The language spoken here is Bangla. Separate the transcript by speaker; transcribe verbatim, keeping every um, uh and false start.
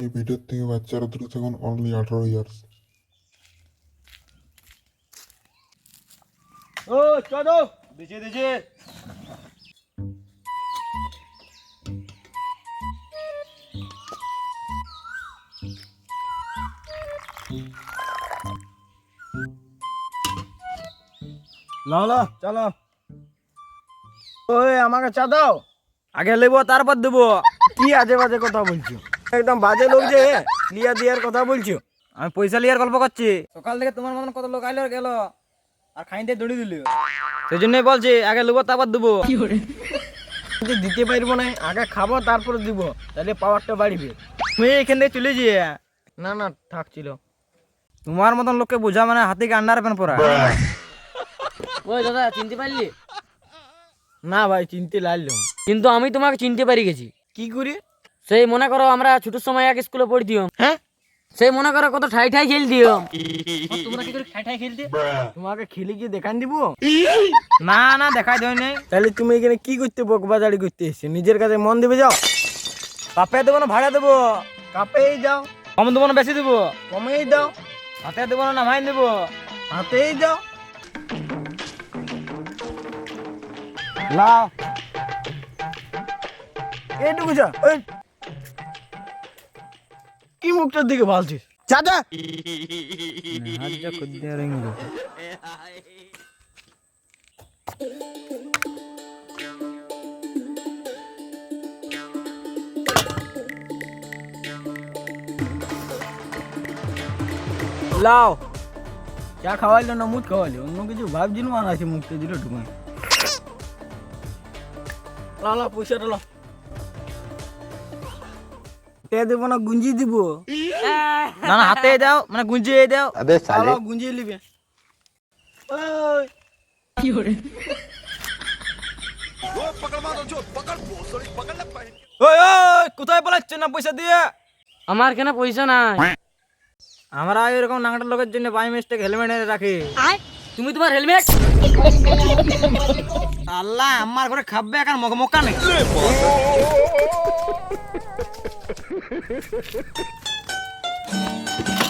Speaker 1: এই ভিডিওর থেকে বাচ্চারা দূরে থাকুন, অনলি আঠারো ইয়ার্স।
Speaker 2: ও চলো দিছে দিছে লাও লাও চলো। ওই আমাকে চা দাও, আগে নেবো তারপর দেবো। কি আজে বাজে কথা বলছো, একদম বাজে লোক যে লিয়া দিয়ার কথা বলছো। আমি পয়সা লিয়ার গল্প করছি। সকাল থেকে তোমার মতন কত লোক আইলো গেল আর খাইতে দৌড়ি দিল। সেই জন্যই বলছি আগে নেবো তারপর দেবো। যদি দিতে পারবো না, আগে খাবো তারপরে দিব, তাহলে পাওয়ারটা বাড়বে। তুমি এখান থেকে চলে যেয়ে না না থাকছিল। তোমার মতন লোককে বোঝা মানে হাতিকে আন্ডার প্যান্ট পরা।
Speaker 3: ওই দাদা চিনতে পারলি?
Speaker 2: না ভাই চিনতে লাগলাম।
Speaker 3: কিন্তু আমি তোমাকে চিনতে পারি গেছি।
Speaker 2: কি করি?
Speaker 3: সেই মনে করো আমরা ছোট সময় এক স্কুলে পড়তিম।
Speaker 2: হ্যাঁ
Speaker 3: সেই মনে করো কত ঠাই ঠাই খেলতিম। তোমরা কি করে ঠাই ঠাই খেলতে?
Speaker 2: তোমাকে খেলে কি দেখান দিব?
Speaker 3: না না দেখাই দেয় নাই।
Speaker 2: তাহলে তুমি এখানে কি করতে বকবাজারি করতে এসছো? নিজের কাছে মন দেবে যাও। কাপে দেবো না ভাড়া দেবো? কাপেই যাও।
Speaker 3: কম দেবো না বেশি দেবো?
Speaker 2: কমেই দাও।
Speaker 3: হাতে দেবো না নামাই দেবো?
Speaker 2: হাতেই যাও। লাও এইটুকু যা। ওই কি মুখটার দিকে ভালছিস? চাচা লাও। চা খাওয়াইলো না মুখ খাওয়াইলো, অন্য কিছু ভাবছিল আর আছে মুখটা দিল ঢুকাই। লাও লাও পয়সাটা লাও। টে দেবো না গুঞ্জি দিব?
Speaker 3: না না হাতে দাও, মানে গুঞ্জিয়ে দাও।
Speaker 2: লাও গুঞ্জিয়ে নিবে। ওই
Speaker 3: কি করে?
Speaker 2: ওই ওই কোথায় পালাচ্ছ না পয়সা দিয়ে?
Speaker 3: আমার কেন পয়সা নাই?
Speaker 2: আমরা এরকম নাঙ্গাটা লোকের জন্য বাই মিস্টেক হেলমেট এনে রাখি।
Speaker 3: তুমি তোমার হেলমেট
Speaker 2: আল্লাহ আমার ঘরে খাবে এখন মকা নেই।